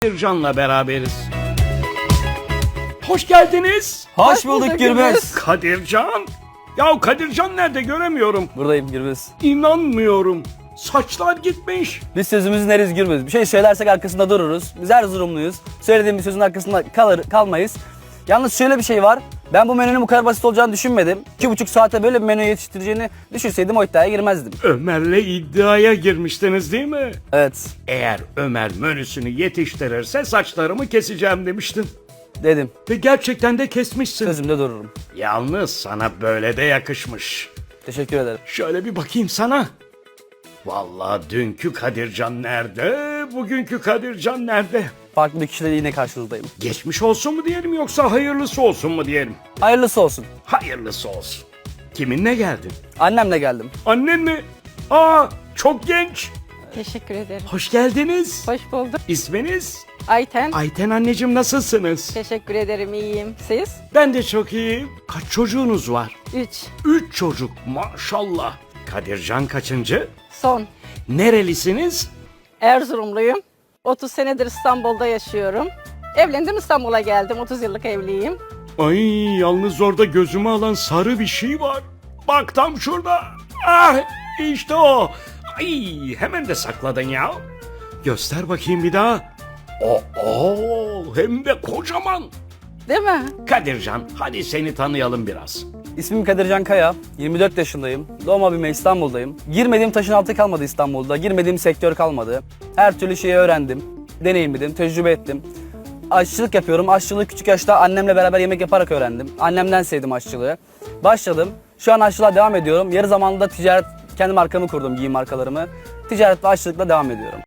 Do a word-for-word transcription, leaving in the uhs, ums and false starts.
Kadircan'la beraberiz. Hoş geldiniz. Hoş bulduk Gürbüz. Kadircan. Ya Kadircan nerede, göremiyorum. Buradayım Gürbüz. İnanmıyorum. Saçlar gitmiş. Biz sözümüzün eriz Gürbüz. Bir şey söylersek arkasında dururuz. Biz Erzurumluyuz. Söylediğim bir sözün arkasında kalır, kalmayız. Yalnız şöyle bir şey var. Ben bu menünün bu kadar basit olacağını düşünmedim. İki buçuk saate böyle bir menü yetiştireceğini düşünseydim o iddiaya girmezdim. Ömer'le iddiaya girmiştiniz değil mi? Evet Eğer Ömer menüsünü yetiştirirse saçlarımı keseceğim demiştin. dedim. Ve gerçekten de kesmişsin. Sözümde dururum. Yalnız sana böyle de yakışmış. Teşekkür ederim. Şöyle bir bakayım sana. Vallahi dünkü Kadircan nerede, bugünkü Kadircan nerede? Farklı bir kişiyle yine karşınızdayım. Geçmiş olsun mu diyelim yoksa hayırlısı olsun mu diyelim? Hayırlısı olsun. Hayırlısı olsun. Kiminle geldin? Annemle geldim. Annen mi? Aa, çok genç. Teşekkür ederim. Hoş geldiniz. Hoş bulduk. İsminiz? Ayten. Ayten anneciğim, nasılsınız? Teşekkür ederim, iyiyim. Siz? Ben de çok iyiyim. Kaç çocuğunuz var? Üç. Üç çocuk, maşallah. Kadircan kaçıncı? Son. Nerelisiniz? Erzurumluyum. otuz senedir İstanbul'da yaşıyorum. Evlendim, İstanbul'a geldim. otuz yıllık evliyim. Ay, yalnız orada gözümü alan sarı bir şey var. Bak tam şurada. Ah, işte o. Ay, hemen de sakladın ya. Göster bakayım bir daha. Oo, oo, hem de kocaman. Değil mi? Kadircan, hadi seni tanıyalım biraz. İsmim Kadircan Kaya. yirmi dört yaşındayım. Doğma büyüme İstanbul'dayım. Girmediğim taşın altı kalmadı İstanbul'da. Girmediğim sektör kalmadı. Her türlü şeyi öğrendim. Deneyimledim, tecrübe ettim. Aşçılık yapıyorum. Aşçılığı küçük yaşta annemle beraber yemek yaparak öğrendim. Annemden sevdim aşçılığı. Başladım. Şu an aşçılığa devam ediyorum. Yarı zamanlı da ticaret, kendi markamı kurdum, giyim markalarımı. Ticaret ve aşçılıkla devam ediyorum.